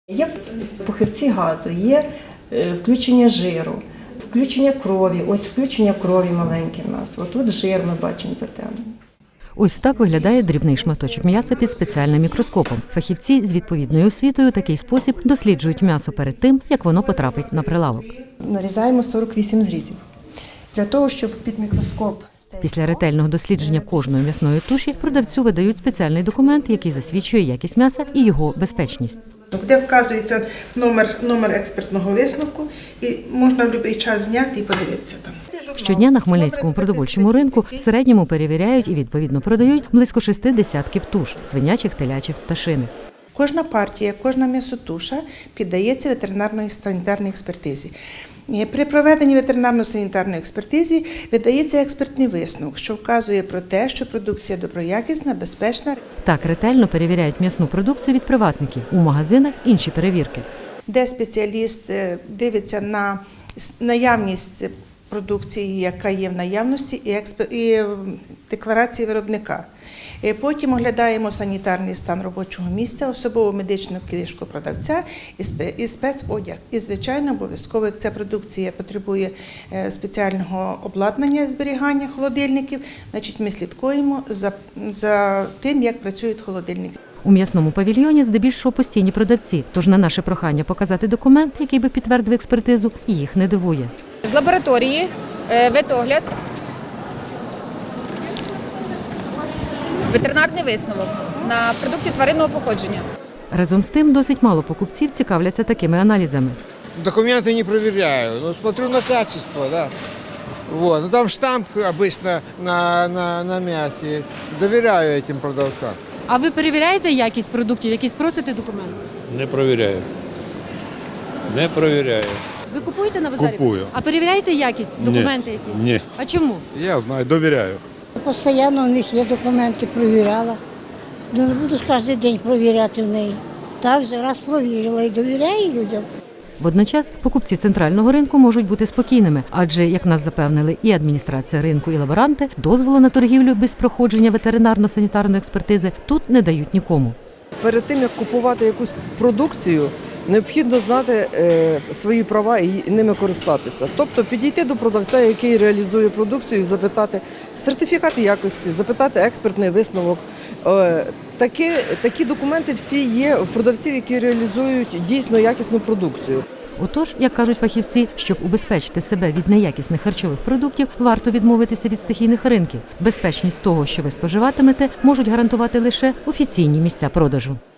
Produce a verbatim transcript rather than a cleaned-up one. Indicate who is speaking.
Speaker 1: Є похибці газу, є включення жиру, включення крові. Ось включення крові маленьке в нас. Отут жир ми бачимо затемнений.
Speaker 2: Ось так виглядає дрібний шматочок м'яса під спеціальним мікроскопом. Фахівці з відповідною освітою такий спосіб досліджують м'ясо перед тим, як воно потрапить на прилавок.
Speaker 1: Нарізаємо сорок вісім зрізів. Для того, щоб під мікроскоп...
Speaker 2: Після ретельного дослідження кожної м'ясної туші продавцю видають спеціальний документ, який засвідчує якість м'яса і його безпечність.
Speaker 3: Де вказується номер, номер експертного висновку, і можна в будь-який час зняти і подивитися там.
Speaker 2: Щодня на Хмельницькому продовольчому ринку в середньому перевіряють і відповідно продають близько шести десятків туш – свинячих, телячих, пташиних.
Speaker 3: Кожна партія, кожна м'ясотуша піддається ветеринарної санітарній експертизі. При проведенні ветеринарно-санітарної експертизи видається експертний висновок, що вказує про те, що продукція доброякісна, безпечна.
Speaker 2: Так ретельно перевіряють м'ясну продукцію від приватників. У магазинах інші перевірки.
Speaker 3: Де спеціаліст дивиться на наявність продукції, яка є в наявності, і, експ... і декларації виробника. Потім оглядаємо санітарний стан робочого місця, особову медичну книжку продавця і спецодяг. І, звичайно, обов'язково, як ця продукція потребує спеціального обладнання зберігання холодильників, значить ми слідкуємо за, за тим, як працюють холодильники.
Speaker 2: У м'ясному павільйоні здебільшого постійні продавці, тож на наше прохання показати документ, який би підтвердив експертизу, їх не дивує.
Speaker 4: З лабораторії, ветогляд, ветеринарний висновок на продукти тваринного походження.
Speaker 2: Разом з тим, досить мало покупців цікавляться такими аналізами.
Speaker 5: Документы не проверяю, но смотрю на качество, да. Вот. Ну, там штамп обычно на, на, на мясе. Доверяю этим продавцам.
Speaker 6: А ви перевіряєте якість продуктів, якісь просите документи?
Speaker 7: Не провіряю. Не провіряю.
Speaker 6: Ви купуєте на базарі?
Speaker 8: Купую.
Speaker 6: А перевіряєте якість, документи якісь?
Speaker 8: Ні.
Speaker 6: А чому?
Speaker 8: Я знаю, довіряю.
Speaker 9: Постійно у них є документи, провіряла. Ну, не буду ж кожен день провіряти в неї. Так же раз провірила і довіряю людям.
Speaker 2: Водночас покупці центрального ринку можуть бути спокійними, адже, як нас запевнили і адміністрація ринку, і лаборанти, дозволу на торгівлю без проходження ветеринарно-санітарної експертизи тут не дають нікому.
Speaker 10: Перед тим, як купувати якусь продукцію, необхідно знати е, свої права і ними користатися. Тобто підійти до продавця, який реалізує продукцію, запитати сертифікат якості, запитати експертний висновок. Е, такі, такі документи всі є в продавців, які реалізують дійсно якісну продукцію.
Speaker 2: Отож, як кажуть фахівці, щоб убезпечити себе від неякісних харчових продуктів, варто відмовитися від стихійних ринків. Безпечність того, що ви споживатимете, можуть гарантувати лише офіційні місця продажу.